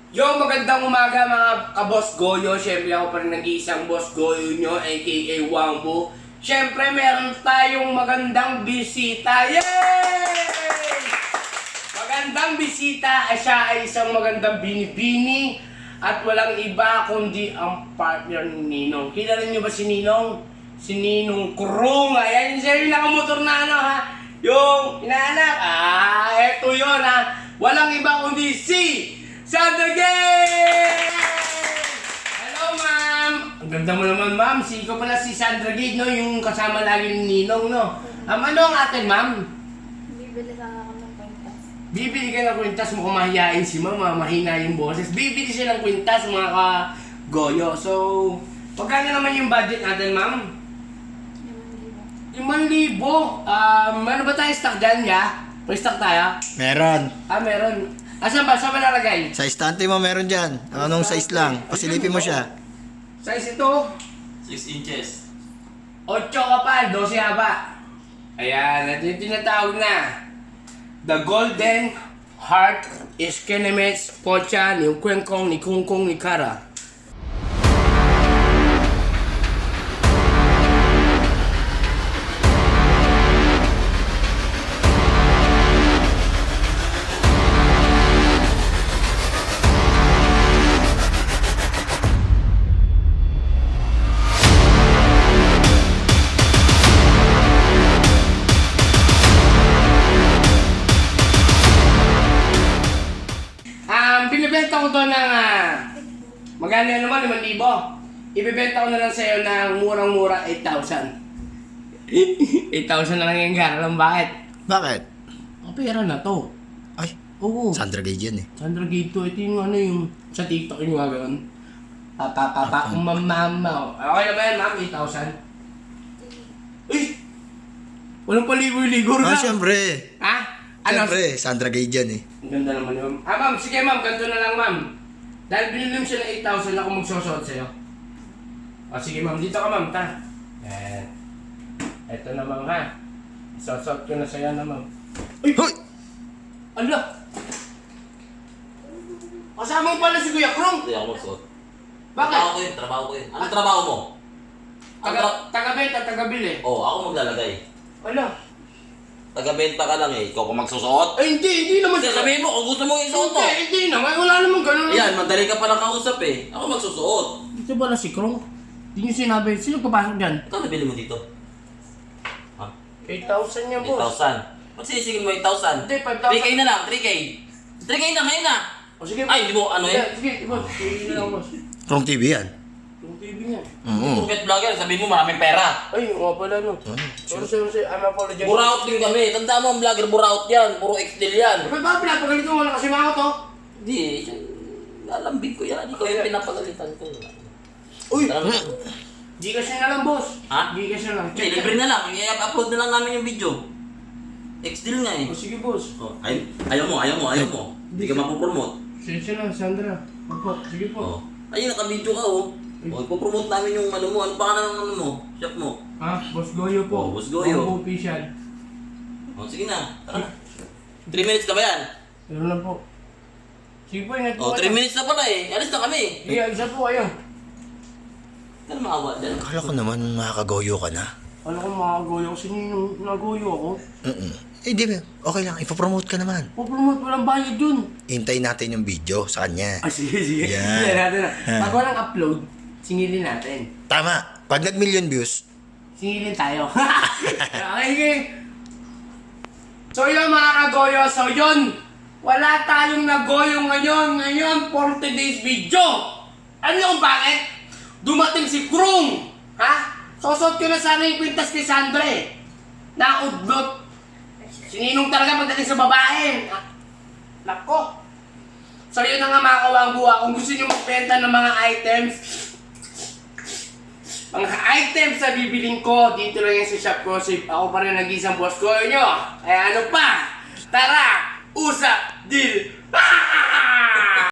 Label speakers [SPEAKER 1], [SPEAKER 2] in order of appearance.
[SPEAKER 1] Yo, magandang umaga mga ka-Boss Goyo. Siyempre ako pa rin nag-iisang Boss Goyo nyo, aka Wangbo. Siyempre meron tayong magandang bisita. Yay! Magandang bisita. Siya ay isang magandang binibini. At walang iba kundi ang partner ni Ninong. Kilala nyo ba si Ninong? Si Ninong Krung. Ayan siya yung nakamotor na ano ha. Yung inaanak. Eto yun ha. Walang iba kundi si Sandra Gate! Hello, ma'am! Ang ganda mo naman, ma'am. Ikaw pala si Sandra Gate, no? Yung kasama lagi ni Ninong, no? Ano ang atin, ma'am?
[SPEAKER 2] Bibili sana ako ng kwintas.
[SPEAKER 1] Bibili ka ng kwintas. Mukhang mahihain si ma'am, mahina yung boses. Bibili siya ng kwintas, mga ka-goyo. So, pagkano naman yung budget natin, ma'am? 5,000. Ano ba tayo stock dyan, ya? May stock tayo?
[SPEAKER 3] Meron.
[SPEAKER 1] Meron. Saan ba? Saan ba nalagay?
[SPEAKER 3] Sa istante mo meron dyan. Anong size lang? Pasilipin mo siya.
[SPEAKER 1] Size ito?
[SPEAKER 4] 6 inches.
[SPEAKER 1] 8 kapal, 12 haba. Ayan, ito yung tinatawag na The Golden Heart is Kenemets Pocha ni Kwengkong ni Kungkong ni Kara. Binibenta ko to ng magkano yan naman, 5,000. Ibibenta ko na lang sa'yo ng murang-mura, 8,000. 8,000 na lang yung gano'n. Bakit?
[SPEAKER 3] Bakit?
[SPEAKER 1] Ang pera na to.
[SPEAKER 3] Ay,
[SPEAKER 1] Oo.
[SPEAKER 3] Sandra Gate yan eh.
[SPEAKER 1] Sandra Gate to. Ito yung ano yung sa TikTok yung mga gano'n. Mamama. Okay naman yan, ma'am, 8,000. Uy! Walang paligoy-ligo na.
[SPEAKER 3] Siyempre.
[SPEAKER 1] Ha?
[SPEAKER 3] Siyempre, Sandra Gate yan eh.
[SPEAKER 1] Ang ganda naman yun. Ma'am, sige ma'am, ganito na lang ma'am. Dahil binili mo siya ng 8,000, ako magsusuot sa'yo. Sige ma'am, dito ka ma'am, ta. Yan. Ito na ma'am ha. Isusuot ko na sa'yo na ma'am. Uy!
[SPEAKER 3] Hoy!
[SPEAKER 1] Ala! Kasama mo pala si Kuya Krong.
[SPEAKER 4] Hindi ako magsuot.
[SPEAKER 1] Bakit?
[SPEAKER 4] Trabaho ko yun. Anong trabaho mo?
[SPEAKER 1] Taga-benta, taga-bili.
[SPEAKER 4] Oo, ako maglalagay.
[SPEAKER 1] Ala!
[SPEAKER 4] Taga-benta ka lang eh. Ikaw kung magsusuot.
[SPEAKER 1] Ay, hindi naman.
[SPEAKER 4] Kasi sabihin mo, kung gusto mo isuot mo.
[SPEAKER 1] Hindi naman. Wala namang ganun.
[SPEAKER 4] Ayan, madali ka palang kausap eh. Ako magsusuot.
[SPEAKER 1] Dito pala si Krong. Hindi niyo sinabi. Sino papasok dyan?
[SPEAKER 4] Ikaw nabili mo dito? Ha?
[SPEAKER 1] 8,000 niya, boss.
[SPEAKER 4] 8,000. Magsisigil mo 8,000.
[SPEAKER 1] Hindi, 5,000.
[SPEAKER 4] 3K na lang, 3K. 3K na, ngayon na.
[SPEAKER 1] O sige.
[SPEAKER 4] Ay, hindi mo ano eh.
[SPEAKER 1] Sige, boss. Sige na lang, boss.
[SPEAKER 3] Wrong TV yan.
[SPEAKER 1] Yung TV niya.
[SPEAKER 4] Pocket vlogger, sabihin mo maraming pera.
[SPEAKER 1] Ay, nga pala no. Sorry. I'm apologize.
[SPEAKER 4] Buraot din kami. Tanda mo ang vlogger, buraot yan. Puro X-deal yan.
[SPEAKER 1] Ba't ba pinapagalitan mo? Wala kasi mga to.
[SPEAKER 4] Hindi, lalambing ko yan. Ikaw yung pinapagalitan ko.
[SPEAKER 1] Uy!
[SPEAKER 4] Alam mo?
[SPEAKER 1] Gcash na lang, boss.
[SPEAKER 4] Ha?
[SPEAKER 1] Gcash na lang.
[SPEAKER 4] Hindi, libre na lang. I-upload na lang namin yung video. X-deal nga eh.
[SPEAKER 1] O sige, boss.
[SPEAKER 4] Oh, ayaw mo. Hindi ka mapopromote.
[SPEAKER 1] Sensya lang, Sandra. Opo, sige po.
[SPEAKER 4] Oh. Ayun, naka-video ka oh. Oh, ipopromote namin yung ano mo. Ano pa ka ng ano mo? Shop mo.
[SPEAKER 1] Boss Goyo po.
[SPEAKER 4] Oh, Boss Goyo.
[SPEAKER 1] Wangbo official.
[SPEAKER 4] Oh, sige na. Tara na. 3 minutes na ba yan?
[SPEAKER 1] Meron lang po. Sige po, ingat po.
[SPEAKER 4] Oh, 3 minutes na pala eh. Alis na kami.
[SPEAKER 1] Sige, alisa po kayo.
[SPEAKER 4] Ano maawa dyan?
[SPEAKER 3] Akala ko naman makakagoyo ka na.
[SPEAKER 1] Alam ko makagoyo kasi nung nagoyo ako.
[SPEAKER 3] Eh di ba, okay lang. Ipopromote ka naman.
[SPEAKER 1] Promote, walang bayad dun.
[SPEAKER 3] Hintayin natin yung video sa kanya.
[SPEAKER 1] Sige.
[SPEAKER 3] Yan.
[SPEAKER 1] Sige natin na. Pag walang upload, singilin natin.
[SPEAKER 3] Tama. Pag nag-million views,
[SPEAKER 1] Singilin tayo. Okay. So yun mga kagoyo. So yun. Wala tayong nagoyo ngayon. Ngayon, 40 days video. Ano yung bakit? Dumating si Krung. Ha? Sosot ko na sana yung kwintas kay Sandre. Naudlot. Sininong talaga pagdating sa babae. Nako. So yun na nga mga kawangbuha. Kung gusto nyo magbenta ng mga items sa bibiling ko, dito lang yan sa shop ko. So, ako pa rin nag-isang boss ko nyo. Kaya ano pa? Tara! Usap! Deal!